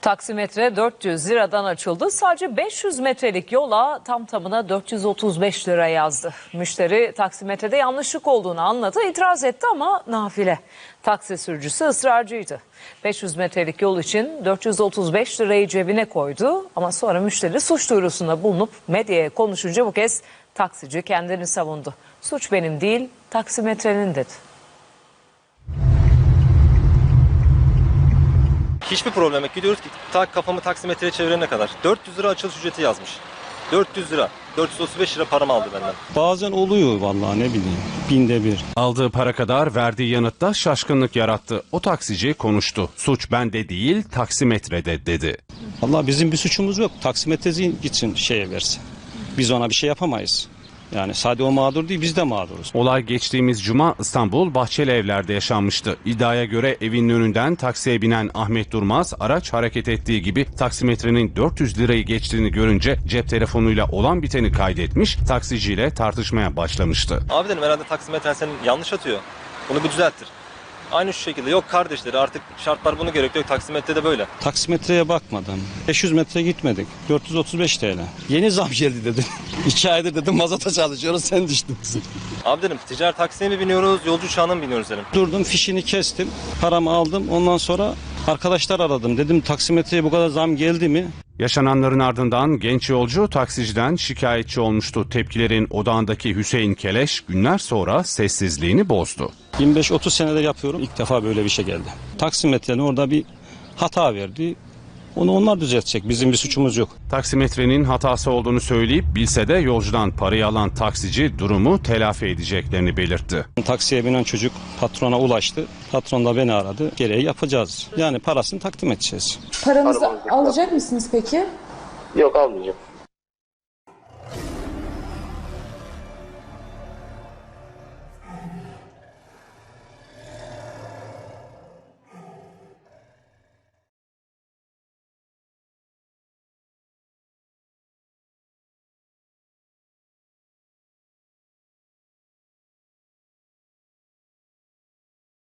Taksimetre 400 liradan açıldı. Sadece 500 metrelik yola tam tamına 435 lira yazdı. Müşteri taksimetrede yanlışlık olduğunu anladı, itiraz etti ama nafile. Taksi sürücüsü ısrarcıydı. 500 metrelik yol için 435 lirayı cebine koydu ama sonra müşteri suç duyurusunda bulunup medyaya konuşunca bu kez taksici kendini savundu. Suç benim değil, taksimetrenin dedi. Hiçbir problem yok. Gidiyoruz ki kafamı taksimetreye çevirene kadar. 400 lira açılış ücreti yazmış. 400 lira. 435 lira paramı aldı benden. Bazen oluyor vallahi, ne bileyim, binde bir. Aldığı para kadar verdiği yanıtta şaşkınlık yarattı. O taksici konuştu. Suç bende değil, taksimetrede dedi. Vallahi bizim bir suçumuz yok. Taksimetreci gitsin şeye versin. Biz ona bir şey yapamayız. Yani sadece o mağdur değil, biz de mağduruz. Olay geçtiğimiz cuma İstanbul Bahçelievler'de yaşanmıştı. İddiaya göre evinin önünden taksiye binen Ahmet Durmaz araç hareket ettiği gibi taksimetrenin 400 lirayı geçtiğini görünce cep telefonuyla olan biteni kaydetmiş, taksiciyle tartışmaya başlamıştı. Abi dedim, herhalde taksimetren senin yanlış atıyor. Bunu bir düzelttir. Aynı şu şekilde, yok kardeşleri artık şartlar bunu gerektiriyor, taksimetrede böyle. Taksimetreye bakmadım. 500 metre gitmedik. 435 TL. Yeni zam geldi dedim. 2 aydır dedim mazota çalışıyoruz, sen düştün. Abi dedim, ticari taksiye mi biniyoruz, yolcu uçağına mı biniyoruz dedim. Durdum, fişini kestim. Paramı aldım. Ondan sonra arkadaşlar aradım. Dedim taksimetreye bu kadar zam geldi mi? Yaşananların ardından genç yolcu taksiciden şikayetçi olmuştu. Tepkilerin odağındaki Hüseyin Keleş günler sonra sessizliğini bozdu. 25-30 senedir yapıyorum. İlk defa böyle bir şey geldi. Taksimetrenin orada bir hata verdi. Onu onlar düzeltecek. Bizim bir suçumuz yok. Taksimetrenin hatası olduğunu söyleyip bilse de yolcudan parayı alan taksici durumu telafi edeceklerini belirtti. Taksiye binen çocuk patrona ulaştı. Patron da beni aradı. Gereği yapacağız. Yani parasını takdim edeceğiz. Paranızı alacak mısınız peki? Yok, almayacağım.